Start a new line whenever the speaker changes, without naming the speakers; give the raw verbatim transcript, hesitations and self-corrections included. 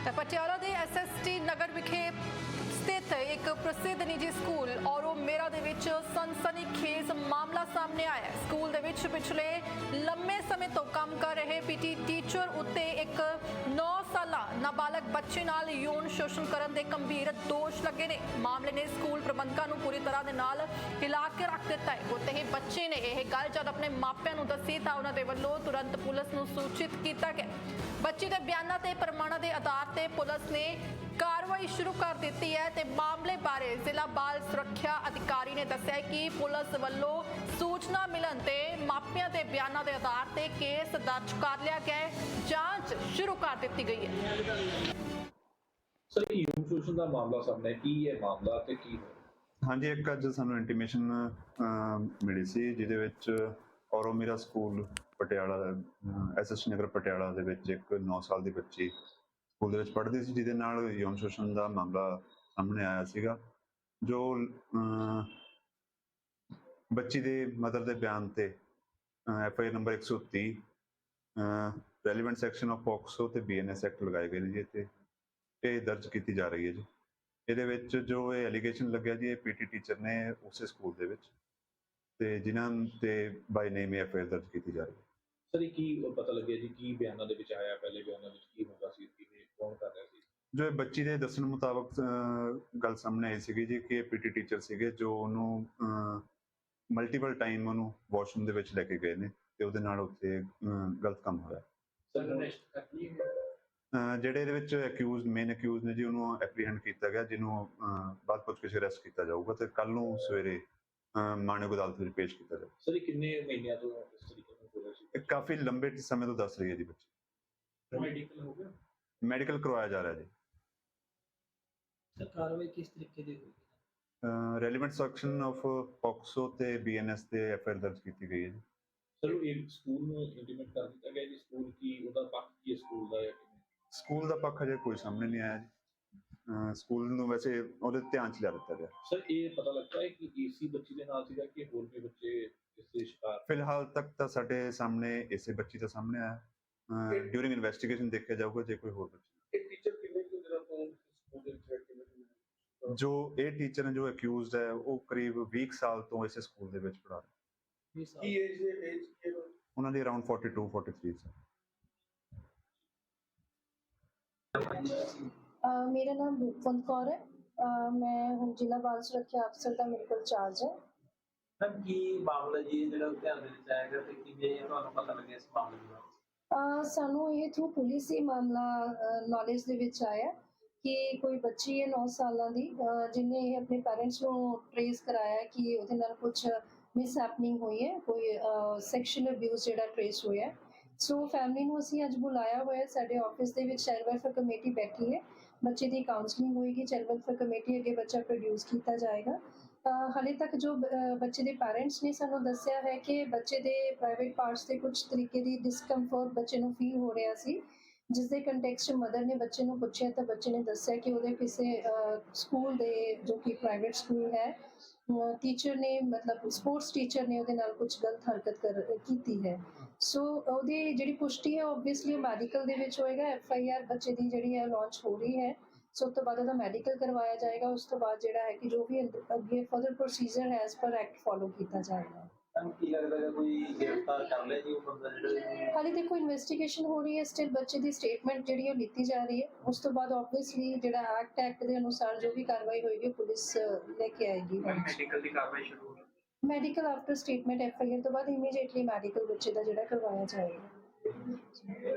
ਪਟਿਆਲਾ ਦੇ S S T ਨਗਰ ਵਿਖੇ ਸਥਿਤ ਇੱਕ ਪ੍ਰਸਿੱਧ ਨਿੱਜੀ ਸਕੂਲ ਔਰੋ ਮੇਰਾ ਦੇ ਵਿੱਚ ਸਨਸਨੀਖੇਜ਼ ਮਾਮਲਾ ਸਾਹਮਣੇ ਆਇਆ ਹੈ। ਸਕੂਲ ਦੇ ਵਿੱਚ ਪਿਛਲੇ ਲੰਮੇ ਸਮੇਂ ਤੋਂ ਕੰਮ ਕਰ ਰਹੇ ਪੀਟੀ ਟੀਚਰ ਉੱਤੇ ਇੱਕ ਨੌ ਸਾਲਾ ਨਾਬਾਲਗ ਬੱਚੇ ਨਾਲ ਯੌਨ ਸ਼ੋਸ਼ਣ ਕਰਨ ਦੇ ਗੰਭੀਰ ਦੋਸ਼ ਲੱਗੇ ਨੇ। ਮਾਮਲੇ ਨੇ ਸਕੂਲ ਪ੍ਰਬੰਧਕਾਂ ਨੂੰ ਪੂਰੀ ਤਰ੍ਹਾਂ ਦੇ ਨਾਲ ਹਿਲਾ ਕੇ ਰੱਖ ਦਿੱਤਾ ਹੈ। ਉੱਤੇ ਹੀ ਬੱਚੇ ਨੇ ਇਹ ਗੱਲ ਜਦ ਆਪਣੇ ਮਾਪਿਆਂ ਨੂੰ ਦੱਸੀ ਤਾਂ ਉਹਨਾਂ ਦੇ ਵੱਲੋਂ ਤੁਰੰਤ ਪੁਲਿਸ ਨੂੰ ਸੂਚਿਤ ਕੀਤਾ ਗਿਆ। ਬੱਚੇ ਦੇ ਬਿਆਨਾਂ ਤੇ ਪ੍ਰਮਾਣਾਂ ਦੇ ਆਧਾਰ ਤੇ ਪੁਲਿਸ ਨੇ ਕਾਰਵਾਈ ਸ਼ੁਰੂ ਕਰ ਦਿੱਤੀ ਹੈ ਤੇ ਮਾਮਲੇ ਬਾਰੇ ਜ਼ਿਲ੍ਹਾ ਬਾਲ ਸੁਰੱਖਿਆ ਅਧਿਕਾਰੀ ਨੇ ਦੱਸਿਆ ਕਿ ਪੁਲਿਸ ਵੱਲੋਂ ਸੂਚਨਾ ਮਿਲਣ ਤੇ ਮਾਪਿਆਂ ਦੇ ਬਿਆਨਾਂ ਦੇ ਆਧਾਰ ਤੇ ਕੇਸ ਦਰਜ ਕਰ ਲਿਆ ਗਿਆ ਹੈ। ਜਾਂਚ ਸ਼ੁਰੂ ਕਰ ਦਿੱਤੀ ਗਈ ਹੈ।
ਸਰ ਯੂਮ ਸ਼ੋਸ਼ਣ ਦਾ ਮਾਮਲਾ ਸਾਹਮਣੇ ਕੀ ਹੈ ਮਾਮਲਾ ਤੇ ਕੀ ਹੋਇਆ?
ਹਾਂਜੀ, ਇੱਕ ਅੱਜ ਸਾਨੂੰ ਇੰਟੀਮੇਸ਼ਨ ਮਿਲੀ ਸੀ ਜਿਹਦੇ ਵਿੱਚ ਔਰੋ ਮੇਰਾ school Patiala S S T Nagar Patiala ਦੇ ਵਿੱਚ ਇੱਕ ਨੌ ਸਾਲ ਦੀ ਬੱਚੀ ਸਕੂਲ ਦੇ ਵਿੱਚ ਪੜ੍ਹਦੀ ਸੀ ਜਿਹਦੇ ਨਾਲ ਯੌਨ ਸ਼ੋਸ਼ਣ ਦਾ ਮਾਮਲਾ ਸਾਹਮਣੇ ਆਇਆ ਸੀਗਾ। ਜੋ ਬੱਚੀ ਦੇ ਮਦਰ ਦੇ ਬਿਆਨ ਤੇ ਐਫ ਆਈ ਆਰ ਨੰਬਰ ਇੱਕ ਸੌ ਤੀਹ ਰੈਲੀਵੈਂਟ ਸੈਕਸ਼ਨ ਆਫ ਪੋਕਸੋ ਤੇ ਬੀ ਐਨ ਐਸ ਐਕਟ ਲਗਾਏ ਗਏ ਨੇ ਜੀ ਤੇ ਇਹ ਦਰਜ ਕੀਤੀ ਜਾ ਰਹੀ ਹੈ ਜੀ। ਇਹਦੇ ਵਿੱਚ ਜੋ ਇਹ ਐਲੀਗੇਸ਼ਨ ਲੱਗਿਆ ਜੀ ਇਹ ਪੀਟੀ ਟੀਚਰ ਨੇ ਉਸੇ ਸਕੂਲ ਦੇ ਵਿੱਚ ਤੇ ਜਿਨ੍ਹਾਂ ਤੇ ਬਾਈ ਨੇਮ ਐਫ ਆਈ ਆਰ ਦਰਜ ਕੀਤੀ ਜਾ ਰਹੀ ਹੈ।
ਸਰ ਇਹ ਕੀ ਪਤਾ ਲੱਗਿਆ ਜੀ ਕੀ ਬਿਆਨਾਂ ਦੇ ਵਿੱਚ ਆਇਆ? ਪਹਿਲੇ ਬਿਆਨਾਂ ਵਿੱਚ ਕੀ ਹੁੰਦਾ ਸੀ, ਕਿਵੇਂ ਕੌਣ ਕਰ ਰਿਹਾ ਸੀ?
ਜੋ ਇਹ ਬੱਚੀ ਦੇ ਦੱਸਣ ਮੁਤਾਬਕ ਗੱਲ ਸਾਹਮਣੇ ਆਈ ਸੀਗੀ ਜੀ ਕਿ ਪੀਟੀ ਟੀਚਰ ਸੀਗੇ ਜੋ ਉਹਨੂੰ ਮਲਟੀਪਲ ਟਾਈਮ ਉਹਨੂੰ ਵਾਸ਼ਰੂਮ ਦੇ ਵਿੱਚ ਲੈ ਕੇ ਗਏ ਨੇ ਤੇ ਉਹਦੇ ਨਾਲ ਉੱਥੇ ਗਲਤ ਕੰਮ ਹੋਇਆ।
ਸਰ ਅਰੈਸਟ ਕਰ ਲਈ
ਜਿਹੜੇ ਇਹਦੇ ਵਿੱਚ ਅਕਿਊਜ਼ ਮੇਨ ਅਕਿਊਜ਼ ਨੇ ਜੀ ਉਹਨੂੰ ਐਪਰੀਹੈਂਡ ਕੀਤਾ ਗਿਆ, ਜਿਹਨੂੰ ਬਾਅਦ ਪੁੱਛਗਿੱਛ ਅਰੈਸਟ ਕੀਤਾ ਜਾਊਗਾ ਤੇ ਕੱਲ ਨੂੰ ਸਵੇਰੇ ਮਾਣਯੋਗ ਅਦਾਲਤ ਵਿੱਚ ਪੇਸ਼ ਕੀਤਾ ਜਾਊਗਾ।
ਸਰ ਕਿੰਨੇ ਮਹੀਨਿਆਂ ਤੋਂ ਇਸ ਤਰੀਕੇ ਨਾਲ ਹੋ ਰਿਹਾ ਸੀ?
ਇਹ ਕਾਫੀ ਲੰਬੇ ਸਮੇਂ ਤੋਂ ਦੱਸ ਰਹੀ ਹੈ ਜੀ ਬੱਚੀ।
ਮੈਡੀਕਲ ਹੋ ਗਿਆ?
ਮੈਡੀਕਲ ਕਰਵਾਇਆ ਜਾ ਰਿਹਾ ਜੀ।
ਸਰ ਕਾਰਵਾਈ ਕਿਸ ਤਰੀਕੇ ਦੀ ਹੋਈ?
ਰੈਲੀਵੈਂਟ ਸੈਕਸ਼ਨ ਆਫ ਪੋਕਸੋ ਤੇ ਬੀ ਐਨ ਐਸ ਤੇ ਐਫ ਆਈ ਆਰ ਦਰਜ ਕੀਤੀ ਗਈ ਹੈ ਜੀ।
ਸਰ ਇਹ ਸਕੂਲ ਨੂੰ ਇੰਟੀਮੇਟ ਕਰ ਦਿੱਤਾ ਗਿਆ ਜੀ ਸਕੂਲ ਕੀ ਉਹਦਾ ਪੱਖ ਕੀ ਹੈ ਸਕੂਲ ਦਾ?
ਸਕੂਲ ਦਾ ਪੱਖ ਅਜੇ ਕੋਈ ਸਾਹਮਣੇ ਨਹੀਂ ਆਇਆ ਜੀ। ਸਕੂਲ ਨੂੰ ਵੈਸੇ ਉਹਦੇ ਧਿਆਨ ਚ ਲਿਆ ਦਿੱਤਾ ਗਿਆ।
ਸਰ ਇਹ ਪਤਾ ਲੱਗਦਾ ਹੈ ਕਿ ਏਸੀ ਬੱਚੀ ਦੇ ਨਾਲ ਸੀਗਾ ਕਿ ਹੋਰ ਵੀ ਬੱਚੇ ਇਸ ਦੇ ਸ਼ਿਕਾਰ?
ਫਿਲਹਾਲ ਤੱਕ ਤਾਂ ਸਾਡੇ ਸਾਹਮਣੇ ਇਸੇ ਬੱਚੀ ਦਾ ਸਾਹਮਣੇ ਆਇਆ। ਡਿਊਰਿੰਗ ਇਨਵੈਸਟੀਗੇਸ਼ਨ ਦੇਖਿਆ ਜਾਊਗਾ ਜੇ ਕੋਈ ਹੋਰ ਬੱਚੇ।
ਇਹ ਟੀਚਰ ਕਿੰਨੇ ਕੁ ਦਿਨਾਂ ਤੋਂ ਸਕੂਲ ਦੇ ਵਿੱਚ ਕਿਵੇਂ
ਜੋ ਇਹ ਟੀਚਰ ਨੇ ਜੋ ਅਕਿਊਜ਼ਡ ਹੈ ਉਹ ਕਰੀਬ ਵੀਹ ਸਾਲ ਤੋਂ ਇਸੇ ਸਕੂਲ ਦੇ ਵਿੱਚ ਪੜ੍ਹਾ ਰਹੇ।
ਕੀ ਏਜ ਦੇ ਏਜ ਕੀ
ਉਹਨਾਂ ਦੀ ਅਰਾਊਂਡ ਬयालीस तैंतालीस ਹੈ।
Uh, मेरा नाम रूपवंत कौर है। uh, मैं ਹੁਣ ਜ਼ਿਲ੍ਹਾ ਬਾਲ ਸੁਰੱਖਿਆ ਅਫਸਰ ਦਾ ਮੈਡੀਕਲ ਚਾਰਜ ਹੈ।
ਮੈਮ ਕੀ ਮਾਮਲਾ ਜੀ ਜਿਹੜਾ ਧਿਆਨ ਦੇ ਵਿੱਚ ਆਏਗਾ ਤੇ ਕਿਵੇਂ ਤੁਹਾਨੂੰ ਪਤਾ ਲੱਗਿਆ ਇਸ ਮਾਮਲੇ ਦੇ ਬਾਰੇ?
uh, ਸਾਨੂੰ ਇਹ ਥਰੂ ਪੁਲਿਸ ਹੀ ਮਾਮਲਾ ਨੌਲੇਜ ਦੇ ਵਿੱਚ ਆਇਆ ਕਿ ਕੋਈ ਬੱਚੀ ਹੈ ਨੌ ਸਾਲਾਂ ਦੀ uh, ਜਿਹਨੇ ਇਹ ਆਪਣੇ ਪੈਰੈਂਟਸ ਨੂੰ ਟ੍ਰੇਸ ਕਰਾਇਆ ਕਿ ਉਹਦੇ ਨਾਲ ਕੁਝ ਮਿਸ ਹੈਪਨਿੰਗ ਹੋਈ ਹੈ, ਕੋਈ ਸੈਕਸ਼ੂਅਲ ਅਬਿਊਜ਼ ਜਿਹੜਾ ਟ੍ਰੇਸ ਹੋਇਆ। ਸੋ ਫੈਮਿਲੀ ਨੂੰ ਅਸੀਂ ਅੱਜ ਬੁਲਾਇਆ ਹੋਇਆ। ਸਾਡੇ ਆਫਿਸ ਦੇ ਵਿੱਚ ਚਾਈਲਡ ਵੈਲਫੇਅਰ ਕਮੇਟੀ ਬੈਠੀ ਹੈ। ਬੱਚੇ ਦੀ ਕਾਉਂਸਲਿੰਗ ਹੋਏਗੀ, ਚਾਈਲਡ ਵੈਲਫੇਅਰ ਕਮੇਟੀ ਅੱਗੇ ਬੱਚਾ ਪ੍ਰੋਡਿਊਸ ਕੀਤਾ ਜਾਏਗਾ। ਹਾਲੇ ਤੱਕ ਜੋ ਬੱਚੇ ਦੇ ਪੈਰੈਂਟਸ ਨੇ ਸਾਨੂੰ ਦੱਸਿਆ ਹੈ ਕਿ ਬੱਚੇ ਦੇ ਪ੍ਰਾਈਵੇਟ ਪਾਰਟਸ ਤੇ ਕੁਝ ਤਰੀਕੇ ਦੀ ਡਿਸਕੰਫਰਟ ਬੱਚੇ ਨੂੰ ਫੀਲ ਹੋ ਰਿਹਾ ਸੀ, ਜਿਸ ਦੇ ਕੰਟੈਕਸਟ ਮਦਰ ਨੇ ਬੱਚੇ ਨੂੰ ਪੁੱਛਿਆ ਤਾਂ ਬੱਚੇ ਨੇ ਦੱਸਿਆ ਕਿ ਉਹਦੇ ਕਿਸੇ ਸਕੂਲ ਦੇ ਜੋ ਕਿ ਪ੍ਰਾਈਵੇਟ ਸਕੂਲ ਹੈ ਟੀਚਰ ਨੇ ਮਤਲਬ ਸਪੋਰਟਸ ਟੀਚਰ ਨੇ ਉਹਦੇ ਨਾਲ ਕੁਝ ਗਲਤ ਹਰਕਤ ਕਰ ਕੀਤੀ ਹੈ। ਸੋ ਉਹਦੀ ਜਿਹੜੀ ਪੁਸ਼ਟੀ ਹੈ ਓਬਵੀਅਸਲੀ ਮੈਡੀਕਲ ਦੇ ਵਿੱਚ ਹੋਏਗਾ। ਐਫ ਆਈ ਆਰ ਬੱਚੇ ਦੀ ਜਿਹੜੀ ਹੈ ਲਾਂਚ ਹੋ ਰਹੀ ਹੈ। ਸੋ ਉਸ ਤੋਂ ਬਾਅਦ ਉਹਦਾ ਮੈਡੀਕਲ ਕਰਵਾਇਆ ਜਾਏਗਾ। ਉਸ ਤੋਂ ਬਾਅਦ ਜਿਹੜਾ ਹੈ ਕਿ ਜੋ ਵੀ ਅੱਗੇ ਫਰਦਰ ਪ੍ਰੋਸੀਜਰ ਹੈ ਐਸ ਪਰ ਐਕਟ ਫੋਲੋ ਕੀਤਾ ਜਾਏਗਾ।
ਕੀ ਲੱਗਦਾ ਹੈ ਕੋਈ ਗ੍ਰਿਫਤਾਰ ਕਰ ਲਿਆ ਜੀ ਉਹ ਬੰਦਾ ਜਿਹੜਾ?
ਹਾਲੇ ਦੇਖੋ ਇਨਵੈਸਟੀਗੇਸ਼ਨ ਹੋ ਰਹੀ ਹੈ, ਸਟਿਲ ਬੱਚੇ ਦੀ ਸਟੇਟਮੈਂਟ ਜਿਹੜੀ ਉਹ ਲਿੱਤੀ ਜਾ ਰਹੀ ਹੈ। ਉਸ ਤੋਂ ਬਾਅਦ ਆਬਵੀਅਸਲੀ ਜਿਹੜਾ ਐਕਟ ਐਕਟ ਦੇ ਅਨੁਸਾਰ ਜੋ ਵੀ ਕਾਰਵਾਈ ਹੋਏਗੀ ਪੁਲਿਸ ਲੈ ਕੇ ਆਏਗੀ।
ਮੈਡੀਕਲ ਦੀ ਕਾਰਵਾਈ ਸ਼ੁਰੂ ਹੋ ਗਈ?
Medical after statement F I R ਤੋਂ ਬਾਅਦ ਇਮੀਡੀਏਟਲੀ ਮੈਡੀਕਲ ਬੱਚੇ ਦਾ ਜਿਹੜਾ ਕਰਵਾਇਆ ਜਾਏਗਾ।